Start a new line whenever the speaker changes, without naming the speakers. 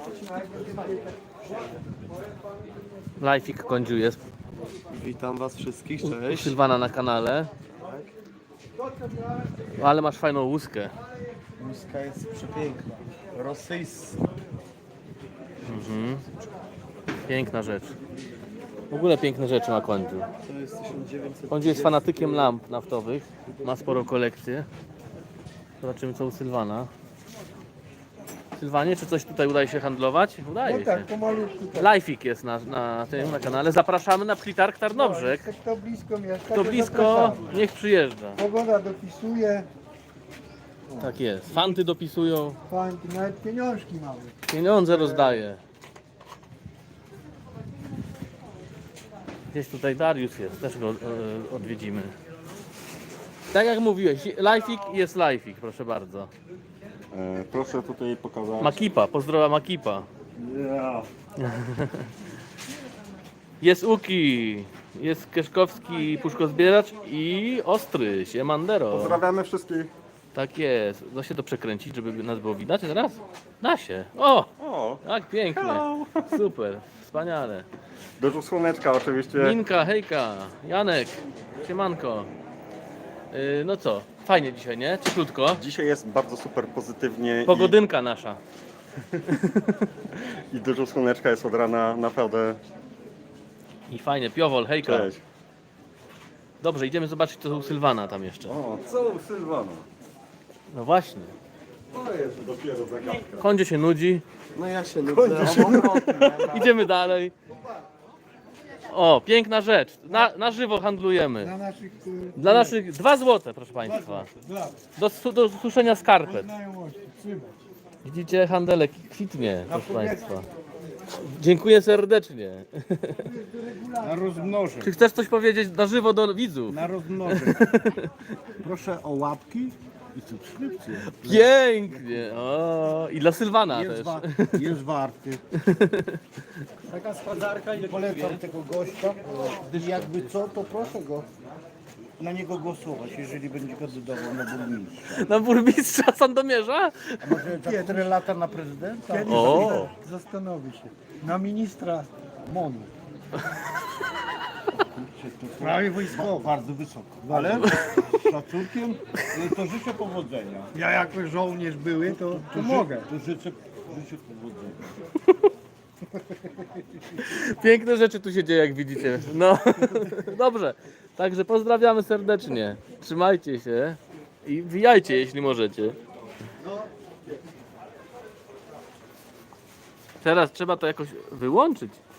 Lifeik Kądziu jest.
Witam was wszystkich,
U
cześć.
Sylwana na kanale. Ale masz fajną łuskę.
Łuska jest przepiękna. Rosyjska.
Piękna rzecz. W ogóle piękne rzeczy ma Kądziu.
To jest 1900.
Kądziu jest fanatykiem lamp naftowych. Ma sporą kolekcję. Zobaczymy co u Sylwana. Sylwanie, czy coś tutaj udaje się handlować? Udaje się.
Tak, pomalutku. Tak.
Lifeik jest na tym, na kanale. Zapraszamy na Plitarg Tarnobrzeg.
Kto blisko mieszka,
Kto
to
blisko,
zapraszamy.
niech przyjeżdża.
Pogoda dopisuje,
Tak jest. Fanty dopisują,
fanki, nawet pieniążki mamy.
pieniądze rozdaje. Gdzieś tutaj Dariusz jest, też go odwiedzimy. Tak jak mówiłeś, Lifeik jest Lifeik, proszę bardzo.
Proszę tutaj pokazać.
Makipa, pozdrowa Makipa.
Yeah.
Jest Uki, jest Kieszkowski puszkozbieracz i Ostry, Siemandero.
Pozdrawiamy wszystkich.
Tak jest. Da się to przekręcić, żeby nas było widać teraz? Da się. O!
O,
Tak, pięknie.
Hello.
Super, wspaniale.
dużo słoneczka oczywiście.
Minka, hejka, Janek, siemanko. No co, fajnie dzisiaj, nie? Cieplutko.
Dzisiaj jest bardzo super pozytywnie
Pogodynka nasza.
i dużo słoneczka jest od rana, naprawdę.
I fajnie, Piowol, hejka.
Cześć.
Dobrze, idziemy zobaczyć co u Sylwana tam jeszcze.
O, co u Sylwana?
No właśnie.
To jest dopiero zagadka.
Kądzie się nudzi.
No ja się nudzę.
Idziemy dalej. O, piękna rzecz. Na żywo handlujemy.
Dla naszych
Dla naszych 2 złote, proszę Państwa.
dla
Do suszenia skarpet.
znajomości, trzymać.
Widzicie, handelek kwitnie, proszę Państwa. Dziękuję serdecznie.
Na rozmnożę,
Czy chcesz coś powiedzieć na żywo do widzów?
na rozmnożę. Proszę o łapki i subskrypcję.
Pięknie! O, i dla Sylwana
Jest,
też.
jest warty.
Taka składarka i
Polecam tego gościa i jakby co, to proszę go na niego głosować, jeżeli będzie kandydował na burmistrza.
Na burmistrza Sandomierza?
A może za 4 lata na prezydenta?
Kiedyś
O!
zastanowi się. Na ministra MONU.
Prawie wojskowo. Bardzo wysoko. Ale z szacunkiem to życzę powodzenia.
Ja jako żołnierz były, to mogę.
To życzę powodzenia.
Piękne rzeczy tu się dzieje, jak widzicie. No, dobrze. Także pozdrawiamy serdecznie. Trzymajcie się i wbijajcie, jeśli możecie. Teraz trzeba to jakoś wyłączyć.